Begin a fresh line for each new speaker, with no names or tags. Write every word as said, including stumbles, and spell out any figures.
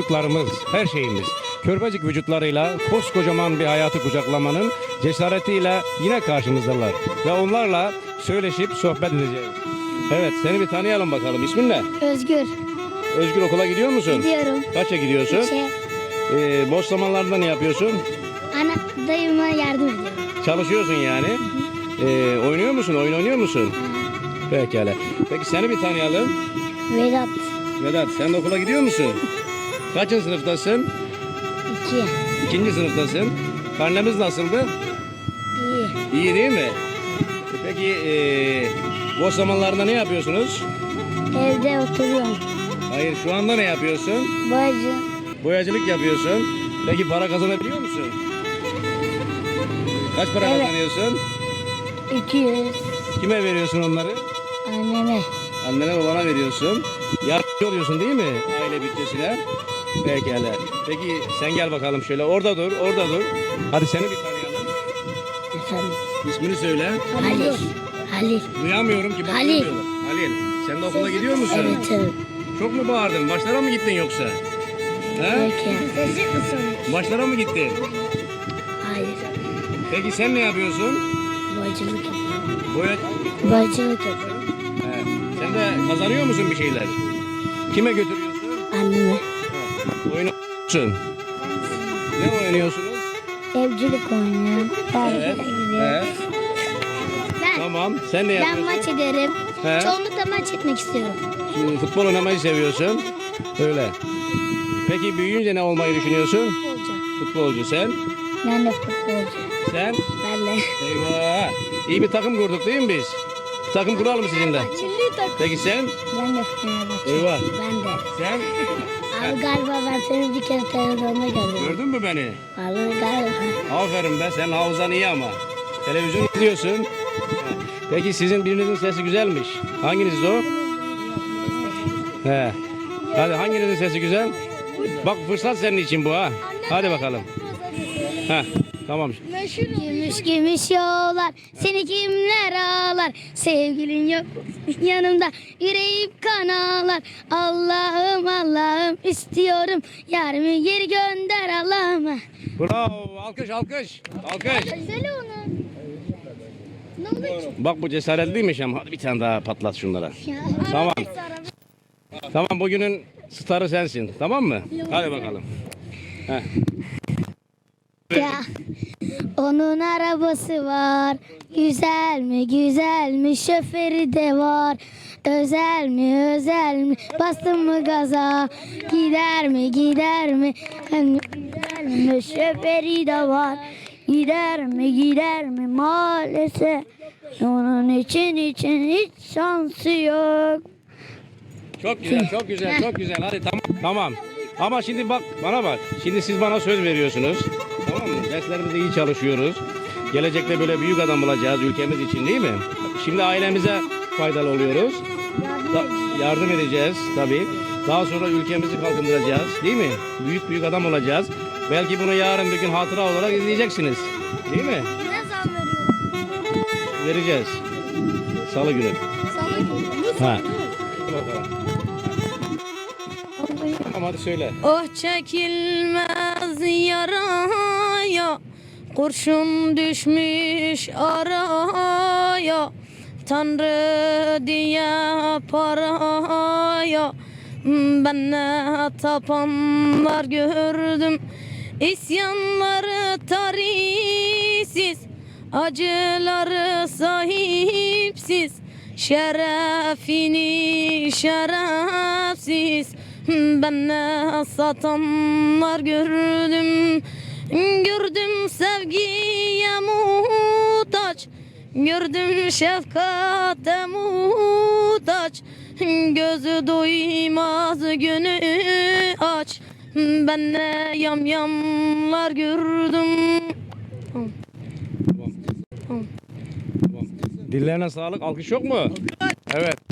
çocuklarımız, her şeyimiz. Körpecik vücutlarıyla koskocaman bir hayatı kucaklamanın cesaretiyle yine karşımızdalar. Ve onlarla söyleşip sohbet edeceğiz. Evet, seni bir tanıyalım bakalım. İsmin ne?
Özgür.
Özgür, okula gidiyor musun?
Gidiyorum.
Kaça gidiyorsun?
Şey,
Ee, boş zamanlarında ne yapıyorsun?
ana dayıma yardım ediyorum.
Çalışıyorsun yani. Ee, oynuyor musun? Oyun oynuyor musun? Pekala. Peki seni bir tanıyalım.
Vedat.
Vedat, sen de okula gidiyor musun? Kaçıncı sınıftasın?
iki.
İkinci sınıftasın. Karnemiz nasıldı?
İyi.
İyi değil mi? Peki ee, boş zamanlarında ne yapıyorsunuz?
Evde oturuyorum.
Hayır, şu anda ne yapıyorsun?
Boyacı.
Boyacılık yapıyorsun. Peki para kazanabiliyor musun? Kaç para
Evet.
kazanıyorsun?
iki yüz.
Kime veriyorsun onları?
Anneme.
Annene babana veriyorsun. Yardımcı oluyorsun değil mi aile bütçesine? Pekala. Peki sen gel bakalım şöyle. Orada dur, orada dur. Hadi seni bir tanıyalım.
Efendim.
İsmini söyle.
Halil. Halil.
Duyamıyorum ki. Bak,
Halil.
duymuyorlar. Halil. Sen de okula gidiyor musun?
Evet evet.
Çok mu bağırdın? Başlara mı gittin yoksa? He?
Peki. Sesi kısın.
Başlara mı gittin?
Hayır.
Peki sen ne yapıyorsun?
Boyacılık yapıyorum.
Boya...
Boyacılık yapıyorum.
He. Sen de kazanıyor musun bir şeyler? Kime götürüyorsun?
Anneme.
Oynuyorsun. Ne oynuyorsunuz?
Evcilik oynuyorum.
Evet. He.
Ben,
Tamam. Sen ne
ben
yapıyorsun?
maç ederim.
He.
Çoğunlukla maç etmek istiyorum.
Şimdi futbol oynamayı seviyorsun. Öyle. Peki büyüyünce ne olmayı düşünüyorsun?
Futbolcu.
Futbolcu sen.
Ben de futbolcu.
Sen?
Ben de.
Eyvah. İyi bir takım kurduk değil mi biz? Bir takım kuralım sizinle.
Milli takım.
Peki sen?
Ben de Fenerbahçe.
Eyvah.
Ben de.
Sen?
Abi galiba ben seni bir kere televizyonda gördüm.
Gördün mü beni?
Vallahi galiba.
Aferin be. Senin hafızan iyi ama. Televizyon izliyorsun. Ha. Peki sizin birinizin sesi güzelmiş. Hanginiz o? He. Hadi hanginizin sesi güzel? Bak fırsat senin için bu ha. Hadi bakalım. Ha. Tamam.
Gümüş gümüş yollar, seni kimler ağlar? Sevgilin yok yanımda, yüreğim kan ağlar. Allah'ım Allah'ım istiyorum, yarımı geri gönder Allah'ım.
Bravo. Alkış alkış. Alkış.
Söyle onu. Ne olur?
Bak bu cesaretliymiş ama hadi bir tane daha patlat şunlara. Tamam. Tamam bugünün starı sensin. Tamam mı? Hadi bakalım. Heh.
Ya. Onun arabası var, güzel mi güzel mi, şoförü de var. Özel mi özel mi, bastın mı gaza, gider mi gider mi, hem güzel mi, şoförü de var. Gider mi gider mi maalesef, onun için için hiç şansı yok.
Çok güzel, çok güzel, çok güzel. Hadi tamam. Tamam. Ama şimdi bak bana bak. Şimdi siz bana söz veriyorsunuz. Tamam mı? Derslerimizde iyi çalışıyoruz. Gelecekte böyle büyük adam olacağız ülkemiz için değil mi? Şimdi ailemize faydalı oluyoruz. Da- yardım edeceğiz tabii. Daha sonra ülkemizi kalkındıracağız değil mi? Büyük büyük adam olacağız. Belki bunu yarın bir gün hatıra olarak izleyeceksiniz. Değil mi?
Ne zam veriyor?
Vereceğiz. Salı günü.
Sana günü.
Ha. Bakalım. Tamam hadi söyle.
Oh çekilmez yaraya, kurşun düşmüş araya, Tanrı diye paraya, ben ne tapanlar gördüm, isyanları tarihsiz, acıları sahipsiz, şerefini şerefsiz. Ben ne satanlar gördüm, gördüm sevgiye muhtaç, gördüm şefkate muhtaç, gözü doymaz günü aç. Ben ne yamyamlar gördüm.
Dillerine sağlık. Alkış yok mu? Evet.